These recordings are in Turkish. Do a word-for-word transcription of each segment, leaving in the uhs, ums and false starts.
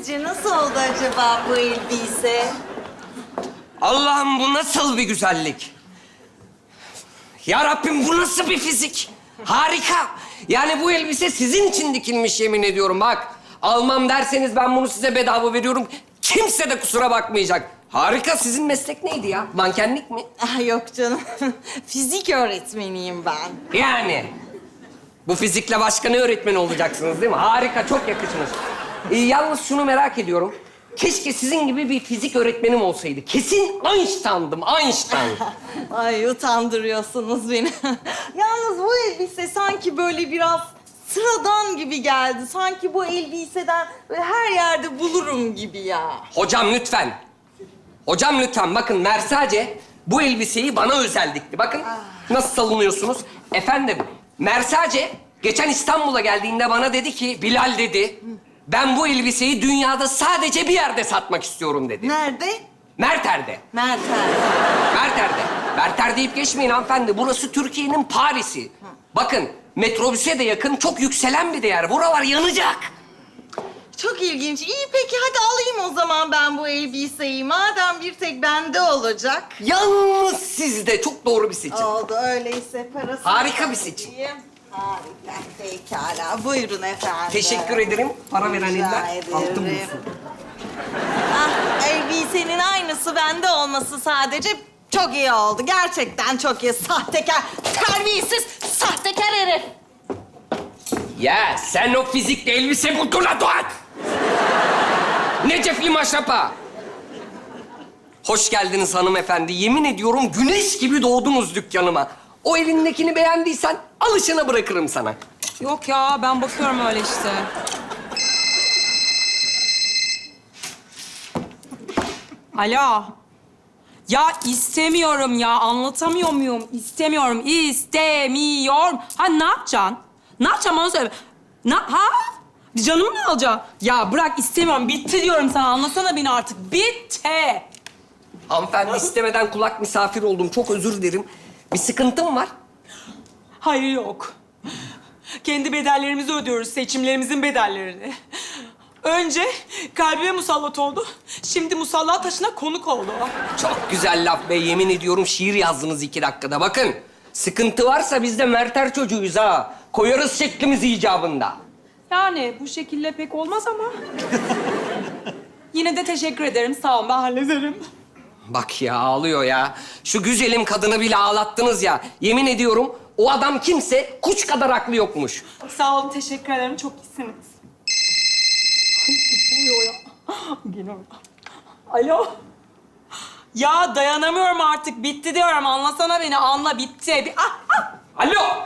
sizce nasıl oldu acaba bu elbise? Allah'ım bu nasıl bir güzellik? Ya Rabbim bu nasıl bir fizik? Harika. Yani bu elbise sizin için dikilmiş yemin ediyorum bak. Almam derseniz ben bunu size bedava veriyorum. Kimse de kusura bakmayacak. Harika. Sizin meslek neydi ya? Mankenlik mi? Ah, yok canım. Fizik öğretmeniyim ben. Yani. Bu fizikle başka ne öğretmeni olacaksınız değil mi? Harika, çok yakışmış. Ee, yalnız şunu merak ediyorum. Keşke sizin gibi bir fizik öğretmenim olsaydı. Kesin Einstein'dım, Einstein. Ay utandırıyorsunuz beni. Yalnız bu elbise sanki böyle biraz sıradan gibi geldi. Sanki bu elbiseden böyle her yerde bulurum gibi ya. Hocam lütfen. Hocam lütfen bakın Mersace bu elbiseyi bana özel dikti. Bakın nasıl savunuyorsunuz. Efendim Mersace geçen İstanbul'a geldiğinde bana dedi ki Bilal dedi. Ben bu elbiseyi dünyada sadece bir yerde satmak istiyorum dedi. Nerede? Merter'de. Mertel. Merter'de. Merter deyip geçmeyin hanımefendi. Burası Türkiye'nin Paris'i. Bakın metrobüse de yakın çok yükselen bir değer. Buralar yanacak. Çok ilginç. İyi peki hadi alayım o zaman ben bu elbiseyi. Madem bir tek bende olacak. Yalnız sizde çok doğru bir seçim. Oldu öyleyse parası. Harika bir seçim. Harika. Pekala. Buyurun efendim. Teşekkür ederim. Para veren Rica eller ederim. altın bulsun. Ah, elbisenin aynısı bende olması sadece çok iyi oldu. Gerçekten çok iyi. Sahtekar, terbiyesiz, sahtekar herif. Ya sen o fizikle elbise buldun la Doğan. Ne cefli maşrapa. Hoş geldiniz hanımefendi. Yemin ediyorum güneş gibi doğdunuz dükkanıma. O elindekini beğendiysen alışına bırakırım sana. Yok ya, ben bakıyorum öyle işte. Alo. Ya istemiyorum ya, anlatamıyor muyum? İstemiyorum, istemiyorum. Ha ne yapacaksın? Ne yapacağım bana söyle. Na, ha? Canımı mı alacaksın? Ya bırak istemiyorum, bitti diyorum sana. Anlasana beni artık, bitti. Hanımefendi istemeden kulak misafir oldum. Çok özür dilerim. Bir sıkıntım var. Hayır yok. Kendi bedellerimizi ödüyoruz, seçimlerimizin bedellerini. Önce kalbime musallat oldu. Şimdi musalla taşına konuk oldu. Çok güzel laf be. Yemin ediyorum şiir yazdınız iki dakikada. Bakın sıkıntı varsa biz de Merter çocuğuyuz ha. Koyarız şeklimizi icabında. Yani bu şekilde pek olmaz ama. Yine de teşekkür ederim. Sağ olun, ben hallederim. Bak ya ağlıyor ya. Şu güzelim kadını bile ağlattınız ya. Yemin ediyorum o adam kimse kuş kadar aklı yokmuş. Sağ olun, teşekkür ederim. Çok iyisiniz. Ay, ne oluyor ya? Geliyorum. Alo. Ya dayanamıyorum artık. Bitti diyorum. Anlasana beni. Anla, bitti. Bir... Ah, ah. Alo!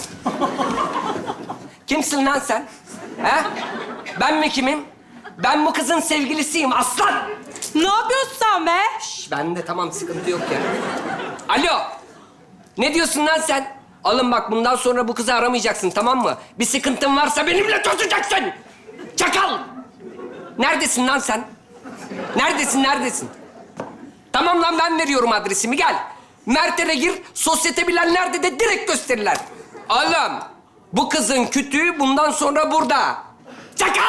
Kimsin lan sen? He? Ben mi kimim? Ben bu kızın sevgilisiyim aslan! Ne yapıyorsun sen be? Şş, ben de tamam sıkıntı yok ya. Alo! Ne diyorsun lan sen? Alın bak bundan sonra bu kızı aramayacaksın tamam mı? Bir sıkıntın varsa benimle tutacaksın! Çakal! Neredesin lan sen? Neredesin, neredesin? Tamam lan ben veriyorum adresimi gel. Mert'e gir, sosyete bilenler de de direkt gösterirler. Oğlum, bu kızın kütüğü bundan sonra burada. Çakal!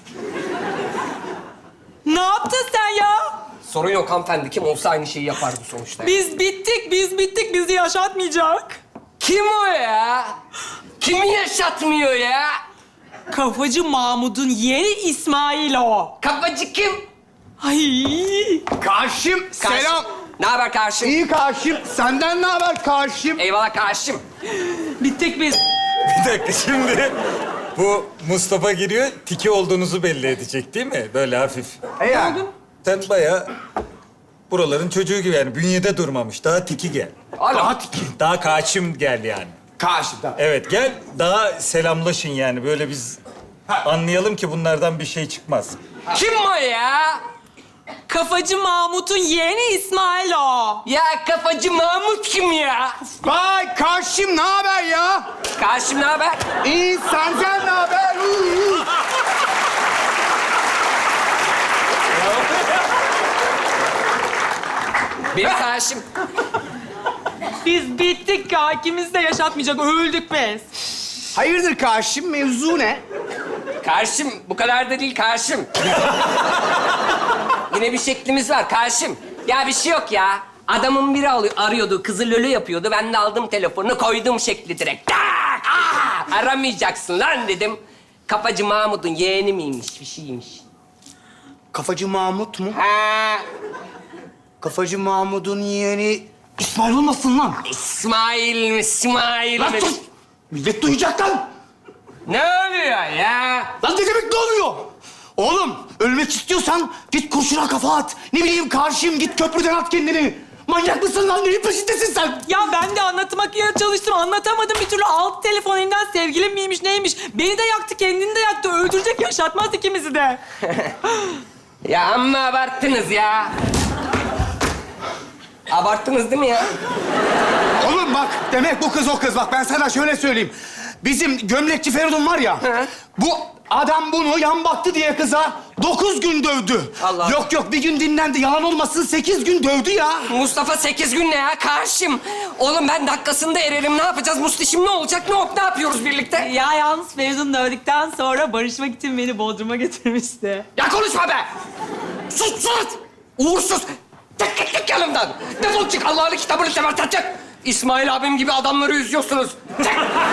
Ne yaptın sen ya? Sorun yok hanımefendi. Kim olsa aynı şeyi yapardı sonuçta. Biz bittik, biz bittik. Bizi yaşatmayacak. Kim o ya? Kimi yaşatmıyor ya? Kafacı Mahmud'un yeni İsmail o. Kafacı kim? Ay. Karşım, selam. Ne haber karşım? İyi karşım. Senden ne haber karşım? Eyvallah karşım. Bittik biz. Bir dakika şimdi bu Mustafa giriyor, tiki olduğunuzu belli edecek değil mi? Böyle hafif. E yani. Sen bayağı buraların çocuğu gibi yani bünyede durmamış. Daha tiki gel. Oğlum, Daha kaçım gel yani. Karşımda. Evet gel daha selamlaşın yani böyle biz anlayalım ki bunlardan bir şey çıkmaz. kim o ya? Kafacı Mahmut'un yeğeni İsmail o. Ya kafacı Mahmut kim ya? Vay karşım ne haber ya? Karşım ne haber? İyi senden ne haber? Uuu. Benim karşım. Biz bittik ya. İkimiz de yaşatmayacak. Öldük biz. Hayırdır karşım mevzu ne? Karşım, bu kadar da değil karşım. Yine bir şeklimiz var karşım. Ya bir şey yok ya. Adamın biri alıyor, arıyordu, kızı lölü yapıyordu. Ben de aldım telefonu, koydum şekli direkt. Tak! Aa! Aramayacaksın lan dedim. Kafacı Mahmut'un yeğeni miymiş, bir şeymiş. Kafacı Mahmut mu? Ha, Kafacı Mahmut'un yeğeni İsmail olmasın lan? İsmail mi, İsmail Lan mi? sus! Millet duyacak lan! Ne oluyor ya? Lan ne demek ne oluyor? Oğlum ölmek istiyorsan git kurşuna kafa at. Ne bileyim karşıyım git köprüden at kendini. Manyak mısın lan? Neyin peşindesin sen? Ya ben de anlatmaya çalıştım. Anlatamadım bir türlü. Alt telefon elimden sevgilim miymiş neymiş. Beni de yaktı, kendini de yaktı. Öldürecek, yaşatmaz ikimizi de. Ya amma abarttınız ya. Abarttınız değil mi ya? Oğlum bak demek bu kız o kız. Bak ben sana şöyle söyleyeyim. Bizim gömlekçi Feridun var ya. Hı. Bu adam bunu yan baktı diye kıza dokuz gün dövdü. Allah. Yok yok bir gün dinlendi. Yalan olmasın sekiz gün dövdü ya. Mustafa sekiz gün ne ya? Karşım. Oğlum ben dakikasında ererim. Ne yapacağız? Mustişim ne olacak? Ne olup ne yapıyoruz birlikte? Ya yalnız Feridun dövdükten sonra barışmak için beni Bodrum'a getirmişti. Ya konuşma be! Sus sus! Uğursuz! Tek tek tek yanımdan! Defol çık Allah'ın kitabını seversen çık! İsmail abim gibi adamları üzüyorsunuz. Çık!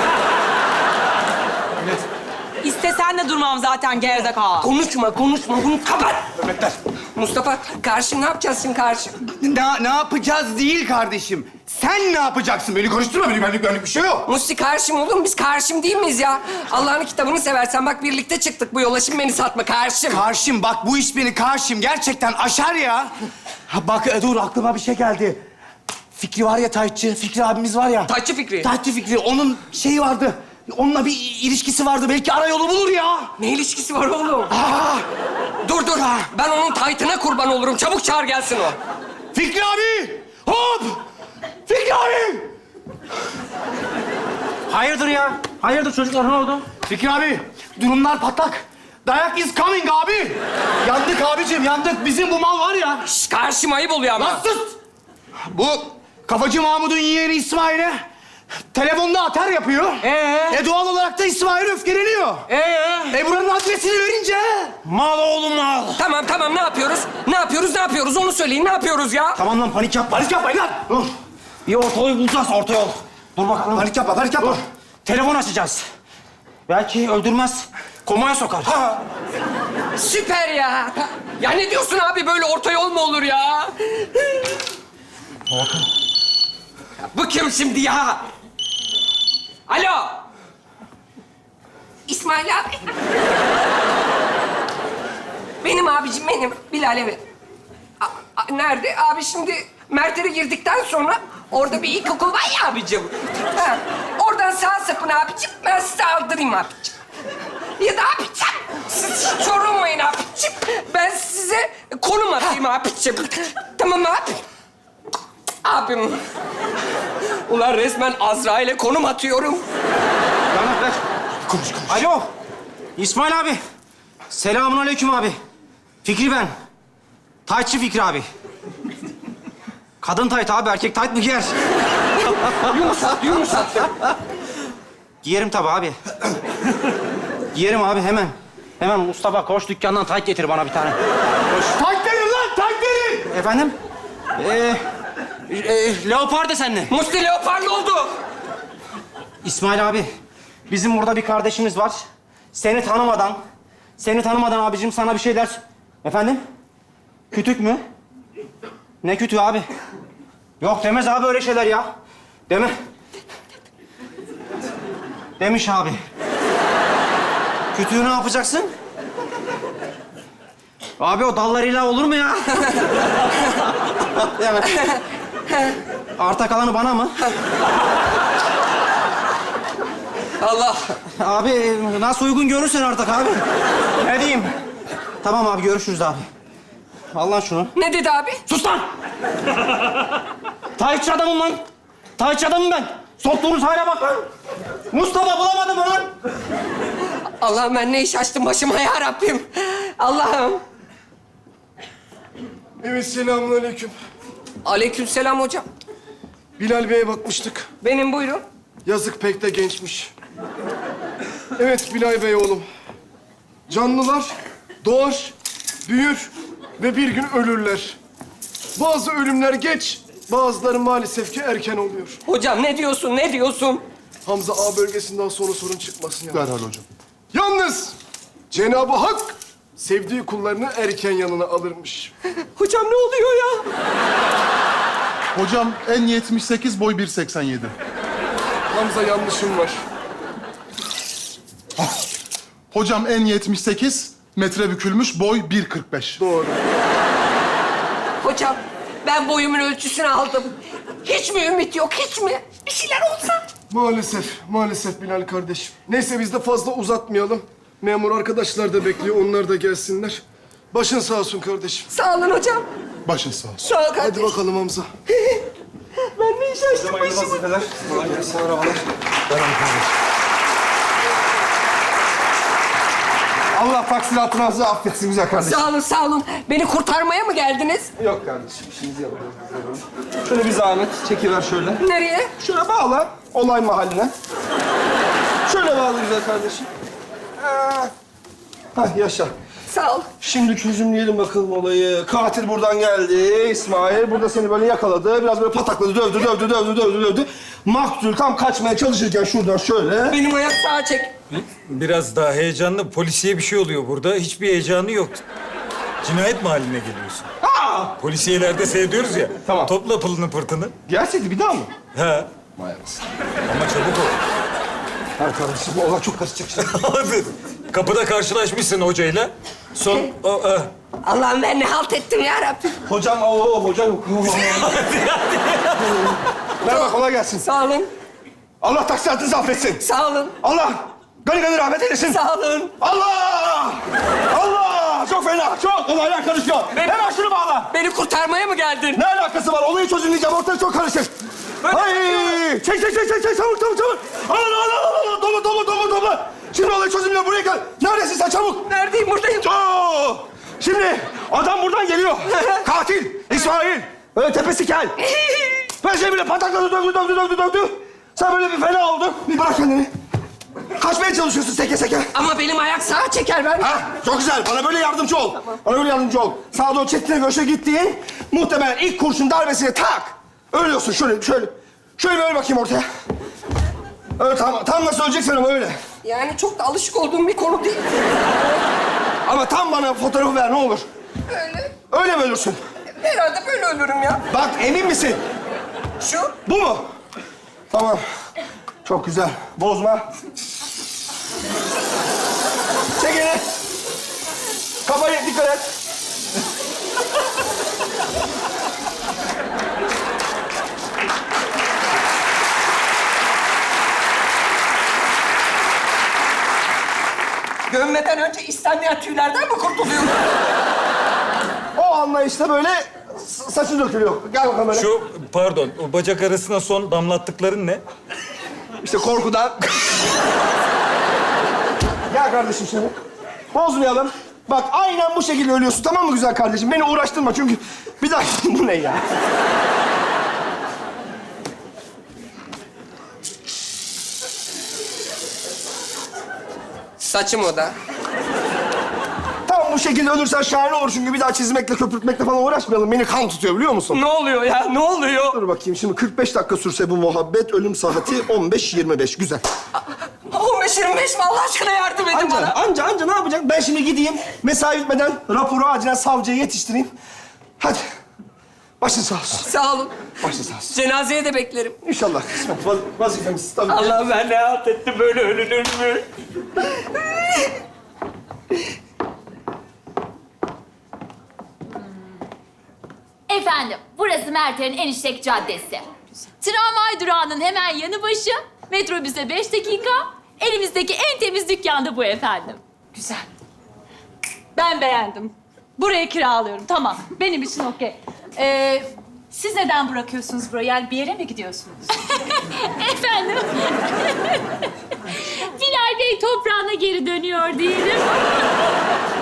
İstesen de durmam zaten gerizekalı. Konuşma konuşma bunu kapat! Mehmetler. Mustafa karşım ne yapacağız şimdi karşım? Ne, ne yapacağız değil kardeşim. Sen ne yapacaksın? Beni konuşturma. Benim benlik, benlik bir şey yok. Musti karşım oğlum biz karşım değil miyiz ya? Allah'ın kitabını seversen bak birlikte çıktık bu yola şimdi beni satma karşım. Karşım bak bu iş beni karşım gerçekten aşar ya. Ha, bak e, dur aklıma bir şey geldi. Fikri var ya Taytçı, Fikri abimiz var ya. Taytçı Fikri. Taytçı Fikri, onun şeyi vardı. Onunla bir ilişkisi vardı. Belki ara yolu bulur ya. Ne ilişkisi var oğlum? Aa, Dur dur ben onun taytına kurban olurum çabuk çağır gelsin o. Fikri abi! Hop! Fikri abi! Hayırdır ya? Hayırdır çocuklar, ne oldu? Fikri abi, durumlar patlak. Dayak is coming abi. Yandık abicim, yandık. Bizim bu mal var ya. Şş, karşım ayıp oluyor ama. Lan sus! Bu kafacı Mahmut'un yeğeni İsmail'e telefonda atar yapıyor. Ee? E doğal olarak da İsmail öfkeleniyor. Ee? E buranın adresini verince... Mal oğlum mal. Tamam tamam ne yapıyoruz? Ne yapıyoruz ne yapıyoruz onu söyleyin ne yapıyoruz ya? Tamam lan, panik yapma. Panik yapmayın lan! Dur. Bir orta yol bulacağız, orta yol. Dur bakalım. Panik yapma, panik yapma. Dur. Telefon açacağız. Belki öldürmez, komaya sokar. Ha. Süper ya. Ya ne diyorsun abi böyle orta yol mu olur ya? Ya bu kim şimdi ya? Alo. İsmail abi. Benim abicim benim. Bilal evet. A- a- nerede? Abi şimdi Mert'e girdikten sonra orada bir ilkokul var ya abicim. Ha, oradan sağ sapın abicim. Ben size aldırayım abicim. Ya da abicim siz hiç sorulmayın abicim. Ben size konum atayım abicim. Tamam abi. Abim. Ulan resmen Azrail'e konum atıyorum. Bana ver. Konuş, konuş. Alo. İsmail abi. Selamun aleyküm abi. Fikri ben. Taytçı Fikri abi. Kadın tayt abi, erkek tayt mı giyer? Yumuşat, yumuşat. Giyerim tabii abi. Giyerim abi hemen. Hemen Mustafa koş dükkandan tayt getir bana bir tane. Tayt verin lan, tayt verin! Efendim? Ee, e, leopar desenli. Musti leoparlı oldu. İsmail abi, bizim burada bir kardeşimiz var. Seni tanımadan, seni tanımadan abicim sana bir şey der. Efendim? Kütük mü? Ne kütüğü abi? Yok demez abi öyle şeyler ya. Deme. Demiş abi. Kütüğü ne yapacaksın? Abi o dallarıyla olur mu ya? Deme. Arta kalanı bana mı? Allah. Abi nasıl uygun görürsen artık abi. Ne diyeyim? Tamam abi görüşürüz abi. Al lan şunu. Ne dedi abi? Sus lan! Taytçı adamım lan. Taytçı adamım ben. Soktuğunuz hale bak lan. Mustafa bulamadım lan. Allah'ım ben ne iş açtım başıma ya Rabbim. Allah'ım. Evet, selamünaleyküm. Aleykümselam hocam. Bilal Bey'e bakmıştık. Benim buyurun. Yazık pek de gençmiş. Evet Bilal Bey oğlum. Canlılar doğar, büyür ve bir gün ölürler. Bazı ölümler geç, bazıları maalesef ki erken oluyor. Hocam ne diyorsun, ne diyorsun? Hamza A bölgesinden sonra sorun çıkmasın ya. Derhal hocam. Yalnız Cenab-ı Hak sevdiği kullarını erken yanına alırmış. Hocam ne oluyor ya? Hocam en yetmiş sekiz, boy bir seksen yedi. Hamza yanlışım var. Hocam en yetmiş sekiz, metre bükülmüş, boy bir kırk beş. Doğru. Hocam ben boyumun ölçüsünü aldım. Hiç mi ümit yok, hiç mi? Bir şeyler olsa. Maalesef, maalesef Bilal kardeşim. Neyse biz de fazla uzatmayalım. Memur arkadaşlar da bekliyor, onlar da gelsinler. Başın sağ olsun kardeşim. Sağ olun hocam. Başın sağ olsun. Sağ ol Hadi kardeşim. bakalım Hamza. Ben ne iş açtım başıma? Vazifeler. Kolay gelsin, merhabalar. Allah taksiratınızı affetsin güzel kardeşim. Sağ olun, sağ olun. Beni kurtarmaya mı geldiniz? Yok kardeşim, işimizi yapıyoruz. Şöyle bir zahmet, çekiver şöyle. Nereye? Şöyle bağla, olay mahalline. Şöyle bağla güzel kardeşim. Ee, Hah, yaşa. Sağ ol. Şimdi çözümleyelim bakalım olayı. Katil buradan geldi, İsmail. Burada seni böyle yakaladı. Biraz böyle patakladı, dövdü, dövdü, dövdü, dövdü, dövdü. Maktul tam kaçmaya çalışırken şuradan şöyle. Benim ayak sağa çek. Biraz daha heyecanlı. Polisiye bir şey oluyor burada. Hiçbir heyecanı yok. Cinayet mahalline geliyorsun. Aa! Polisiyelerde seyrediyoruz ya. Tamam. Topla pılını pırtını. Gerçekti bir daha mı? He. Vay anasını. Ama çabuk ol. Ha kardeşim, bu olay çok karışacak şimdi. Abi, kapıda karşılaşmışsın hocayla. Son... O, e. Allah'ım ben ne halt ettim ya Rabbim. Hocam, o hocam yok. Merhaba, kolay gelsin. Sağ olun, Allah taksiratınızı affetsin. sağ olun, Allah gani gani rahmet eylesin. sağ olun. Allah! Allah! Çok fena, çok. Olaylar karışıyor. Hemen şunu bağla. Beni kurtarmaya mı geldin? Ne alakası var? Olayı çözümleyeceğim. Ortalık çok karışık. Hay! Çek, çek, çek, çek, çek. Çabuk, çabuk, çabuk. Al, al, al, al, al. Topla, topla, topla, topla. Şimdi olayı çözümlüyor. Buraya gel. Neredesin sen? Çabuk. Neredeyim, buradayım. Oo! Şimdi adam buradan geliyor. Katil İsmail. Böyle tepesi kel. Ben şey bile patakladı, dövdü, dövdü, dövdü, dövdü. Sen böyle bir fena oldun. Bir bırak kendini. Kaçmaya çalışıyorsun seke seke. Ama benim ayak sağa çeker ben. Ha, çok güzel. Bana böyle yardımcı ol. Bana böyle yardımcı ol. Sağa doğru çektiğine göğe gittiğin muhtemelen ilk kurşun darbesine tak. Ölüyorsun şöyle, şöyle. Şöyle böyle bakayım ortaya. Öyle tam, tam nasıl öleceksin ama öyle. Yani çok da alışık olduğum bir konu değil. Ama tam bana fotoğrafı ver ne olur. Öyle. Öyle mi ölürsün? Herhalde böyle ölürüm ya. Bak emin misin? Şu. Bu mu? Tamam. Çok güzel. Bozma. Çek elini. Kafayı dikkat et. Gömmeden önce istenmeyen tüylerden mi kurtuluyorum? O anlayışta böyle s- saçı dökülüyor. Gel bakalım böyle. Şu, pardon, o bacak arasına son damlattıkların ne? İşte korkudan. Gel kardeşim şimdi. Bozmayalım. Bak aynen bu şekilde ölüyorsun tamam mı güzel kardeşim? Beni uğraştırma çünkü bir daha bu ne ya? Saçım o da. Tam bu şekilde ölürsen şahane olur çünkü bir daha çizmekle köpürtmekle falan uğraşmayalım. Beni kan tutuyor biliyor musun? Ne oluyor ya? Ne oluyor? Dur bakayım şimdi kırk beş dakika sürse bu muhabbet ölüm saati on beş yirmi beş güzel. on beş yirmi beş mi? Allah aşkına yardım edin Anca, bana. anca, anca ne yapacak? Ben şimdi gideyim, mesai bitmeden raporu acilen savcıya yetiştireyim. Hadi. Başın sağ olsun. Sağ olun. Başın sağ olsun. Cenazeye de beklerim. İnşallah kısmet. Vaz vazifemiz tabii ki. Allah ben ne halt ettim böyle ölünür mü? Efendim, burası Merter'in Eniştek Caddesi. Tramvay durağının hemen yanı başı, metrobüse beş dakika, elimizdeki en temiz dükkan da bu efendim. Güzel. Ben beğendim. Burayı kiralıyorum. Tamam. Benim için okey. Ee, siz neden bırakıyorsunuz burayı? Yani bir yere mi gidiyorsunuz? Efendim, Bilal Bey toprağına geri dönüyor diyelim.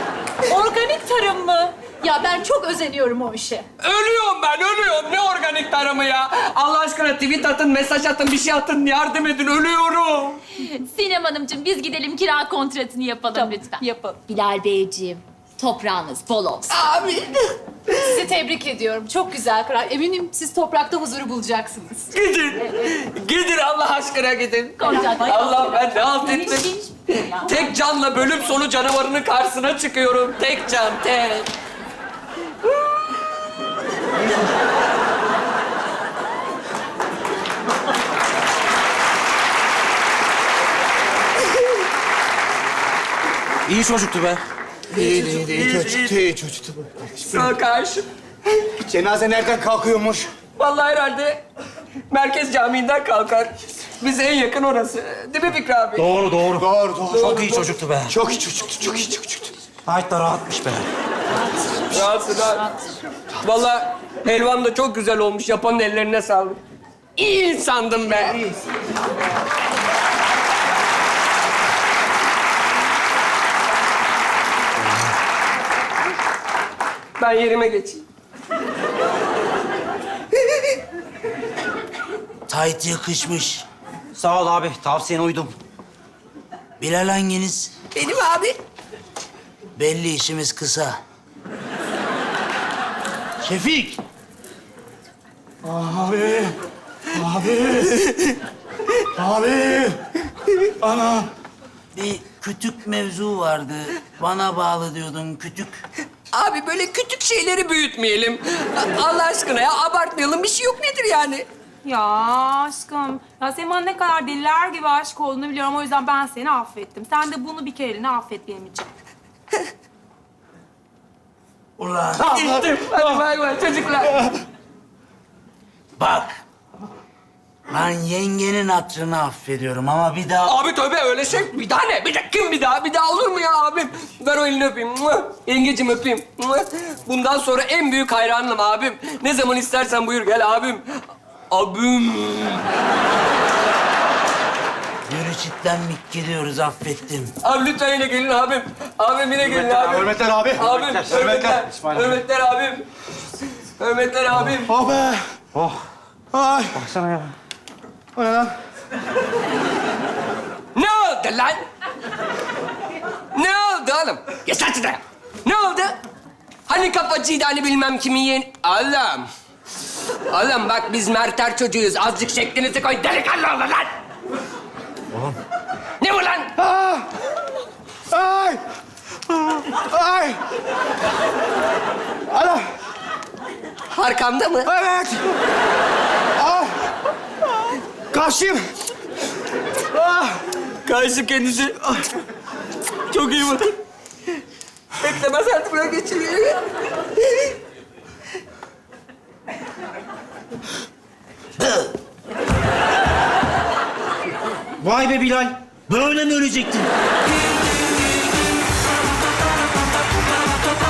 Organik tarım mı? Ya ben çok özeniyorum o işe. Ölüyorum ben, ölüyorum. Ne organik minnettarım ya. Allah aşkına tweet atın, mesaj atın, bir şey atın. Yardım edin, ölüyorum. Sinem Hanımcığım biz gidelim kira kontratını yapalım lütfen. Yapalım. Bilal Beyciğim toprağınız bol olsun. Abi. Sizi tebrik ediyorum. Çok güzel karar. Eminim siz toprakta huzuru bulacaksınız. Gidin. Gidin Allah aşkına gidin. Kontrat. Allah ben ne halt ettim. Geniş, geniş. Tek canla bölüm sonu canavarının karşısına çıkıyorum. Tek can, tek. İyi çocuktu be. İyi, iyi, iyi. Çocuktu, iyi çocuktu. Sağ karşı. Cenaze nereden kalkıyormuş? Vallahi herhalde Merkez Camii'nden kalkar. Bize en yakın orası. Değil mi Fikri abi? Doğru, doğru. Doğru, doğru. Çok iyi çocuktu be. Çok iyi çocuktu, çok iyi çocuktu. Gayet de rahatmış be. Rahatsın rahat. Vallahi helvan da çok güzel olmuş. Yapanın ellerine sağlık. İyi insandım ben. Ben yerime geçeyim. Tayt yakışmış. Sağ ol abi. Tavsiyene uydum. Bilal hanginiz? Benim abi. Belli işimiz kısa. Şefik. Abi, abi, abi. Ana. Bir kütük mevzu vardı. Bana bağlı diyordun kütük. Abi böyle küçük şeyleri büyütmeyelim. Allah aşkına ya abartmayalım. Bir şey yok nedir yani? Ya aşkım, ya senin bana ne kadar deliler gibi aşık olduğunu biliyorum. O yüzden ben seni affettim. Sen de bunu bir kereliğine affet benim için. Ulan Gittim. Hadi bay bay çocuklar. bak. Ben yengenin hatırını affediyorum ama bir daha... Abi tövbe öyle şey. Bir daha ne? Bir daha kim bir daha? Bir daha olur mu ya abim? Ver o elini öpeyim. Mua. Yengecim öpeyim. Mua. Bundan sonra en büyük hayranım abim. Ne zaman istersen buyur gel abim. Abim. Yürü çitlenmek gidiyoruz affettim. Abi lütfen yine gelin abim. Abim yine gelin abim. Hürmetler abi. Abim, hürmetler. İsmail abi. Hürmetler abim. Hürmetler abim. Oh be. Oh, Ay. baksana ya. O ne lan? Ne oldu lan? Ne oldu oğlum? Geç lan şuraya. Ne oldu? Hani kapacıydı hani bilmem kimin yeğen... Oğlum. Oğlum bak biz merter çocuğuyuz. Azıcık şeklinizi koy. Delikanlı olun lan. Oğlum. Ne bu lan? Ah! Ay! Ay! Ana! Arkamda mı? Evet! Ah! Karşıyım! Ah! Karşı kendisi. Çok iyi bakın. Beklemez artık buraya geçiriyor. Vay be Bilal. Böyle mi ölecektin?